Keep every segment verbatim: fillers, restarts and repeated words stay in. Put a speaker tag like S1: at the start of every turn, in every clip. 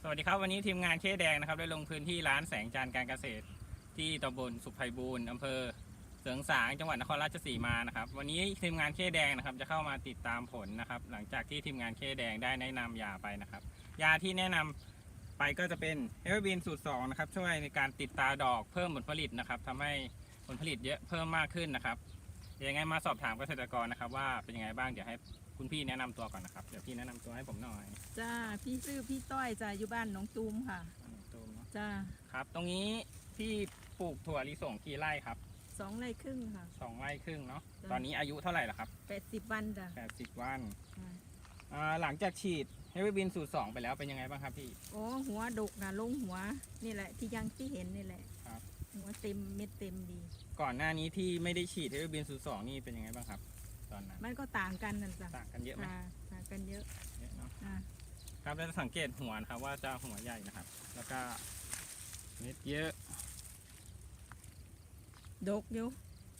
S1: สวัสดีครับวันนี้ทีมงานเคแดงนะครับได้ลงพื้นที่ร้านแสงจันทร์การเกษตรที่ตำบลสุขไพบูลย์อำเภอเสริงสางจังหวัดนครราชสีมานะครับวันนี้ทีมงานเคแดงนะครับจะเข้ามาติดตามผลนะครับหลังจากที่ทีมงานเคแดงได้แนะนำยาไปนะครับยาที่แนะนำไปก็จะเป็นเอเวอร์บีนสูตรสองนะครับช่วยในการติดตาดอกเพิ่มผลผลิตนะครับทำให้ผลผลิตเยอะเพิ่มมากขึ้นนะครับยังไงมาสอบถามเกษตรกรนะครับว่าเป็นยังไงบ้างเดี๋ยวให้คุณพี่แนะนำตัวก่อนนะครับเดี๋ยวพี่แนะนำตัวให้ผมหน่อย
S2: จ้าพี่ชื่อพี่ต้อยจ้าอยู่บ้านหนองตูมค่ะ
S1: ตูมเนาะ
S2: จ้า
S1: ครับตรงนี้ที่ปลูกถั่วลิสงกี่ไร่ครับ
S2: สองไร่ครึ่งค่ะ
S1: สองไร่ครึ่งเนาะ
S2: จ้ะ
S1: ตอนนี้อายุเท่าไหร่ละครับ
S2: แปดสิบวันจ้ะ
S1: แปดสิบวัน
S2: อ่า
S1: อ่าหลังจากฉีดเฮฟวี่บินสูตรสองไปแล้วเป็นยังไงบ้างครับพี่
S2: โอ้หัวดกนะลงหัวนี่แหละที่ยังที่เห็นนี่แหละ
S1: ครับ
S2: หัวเต็มเม็ดเต็มดี
S1: ก่อนหน้านี้ที่ไม่ได้ฉีดเฮฟวี่บินสูตรสองนี่เป็นยังไงบ้างครับตอนนั้น
S2: มันก็ต่างกันนั่นจ้ะ
S1: ต่างกันเยอะไหม
S2: อ่าต่างกันเยอะ
S1: เยอะเนาะ
S2: อ่า
S1: ครับเราจะสังเกตหัวนะครับว่าจะหัวใหญ่นะครับ แล้วก็เม็ดเยอะ
S2: ดกอยู่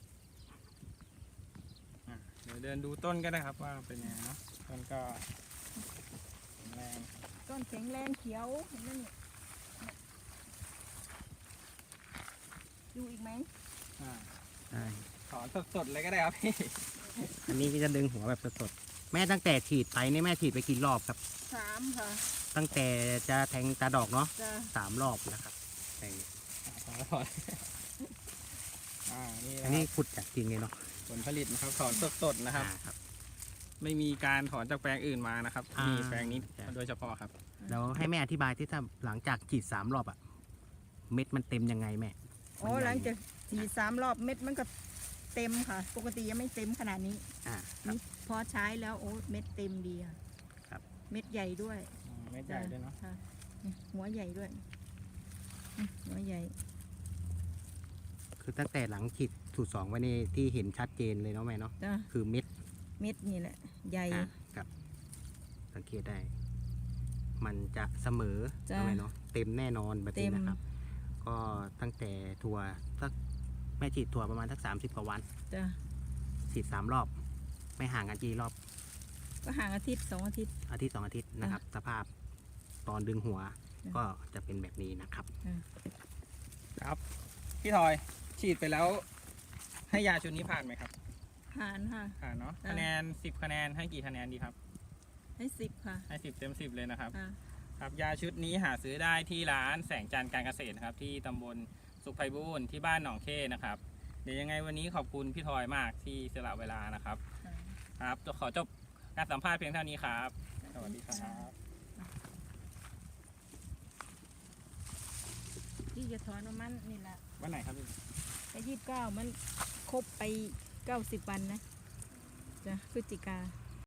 S1: อ่ะเดี๋ยวเดินดูต้นก็ได้ครับว่าเป็นยังไงเนาะต้นก็แข็งแรง
S2: ต้นแข็งแรงเขียวเห็นไหมนี่ดูอีกไหม
S1: อ่า
S3: ใช่
S1: ถอนสดๆเลยก็ได้ครับพี่
S3: อันนี้ก็จะดึงหัวแบบสดๆแม่ตั้งแต่ฉีดไปนี่แม่ฉีดไปกี่รอบครับ
S2: สามค่ะ
S3: ตั้งแต่จะแทงตาดอกเนาะ
S2: จ้า
S3: สามรอบแล้วครับแต่
S1: ถอนถอนอ่านี่
S3: อันนี้ขุดจากจริงเลยเนาะ
S1: ผลผลิตนะครับถอนสดๆนะครับ
S3: อ่าครับ
S1: ไม่มีการถอนจากแปลงอื่นมานะครับ
S3: อ่ามี
S1: มีแปลงนี้
S3: ใช่
S1: โดยเฉพาะครับ
S3: แล้วให้แม่อธิบายที่ถ้าหลังจากฉีดสามรอบอะเม็ดมันเต็มยังไงแม่
S2: โอ้หลังจากฉีดสามรอบเม็ดมันก็เต็มค่ะ ปกติยังไม่เต็มขนาดนี้
S3: อ่าครับ
S2: นี่พอใช้แล้วโอ้เม็ดเต็มดีค่ะ
S3: ครับ
S2: เม็ดใหญ่ด้วย
S1: อืมไม่ใหญ่ด้วยเนาะ
S2: ค่ะนี่หัวใหญ่ด้วยนี่หัวใหญ่
S3: คือตั้งแต่หลังฉีดสูตรสองไว้ในที่เห็นชัดเจนเลยเนาะแม่เนาะ
S2: จ้ะ
S3: คือเม็ด
S2: เม็ดนี่แหละ ใหญ่
S3: อ่ะครับ สังเกตได้ มันจะเสมอ
S2: จ้ะ
S3: เนาะแม่เนาะเต็มแน่นอนแบบ
S2: เต็
S3: นี้
S2: ม
S3: นะครับ ก็ตั้งแต่ถั่วสักแม่ฉีดถั่วประมาณสักสามสิบกว่าวัน
S2: จ้ะ
S3: ฉีดสามรอบ ไม่ห่างกันกี่รอบ
S2: ก็ห่างอาทิตย์สองอาทิตย์
S3: อาทิตย์สองอาทิตย์นะครับ สภาพตอนดึงหัว
S2: จ้ะ
S3: ก็จะเป็นแบบนี้นะครับ
S1: ครับ พี่ทอยฉีดไปแล้ว ให้ยาชุดนี้ผ่านไหมครับ
S2: ผ่านค่ะ
S1: ผ่านเนาะ
S2: จ้ะ
S1: คะแนนสิบคะแนนให้กี่คะแนนดีครับ
S2: ให้สิบค่ะ
S1: ให้สิบเต็มสิบเลยนะครับ
S2: อ่า
S1: ครับยาชุดนี้หาซื้อได้ที่ร้านแสงจันทร์การเกษตรนะครับ ที่ตำบลสุขไพบูลย์ที่บ้านหนองเข้นะครับ เดี๋ยวยังไงวันนี้ขอบคุณพี่ทอยมากที่สละเวลานะครับ ครับขอจบการสัมภาษณ์เพียงเท่านี้ครับ สวัสดีครับ
S2: ที่จะถอนประมันนี่แหละ
S1: วันไหนครับพี่
S2: ไปยี่สิบเก้ามันครบไปเก้าสิบวันนะจ้ะพฤศจิกา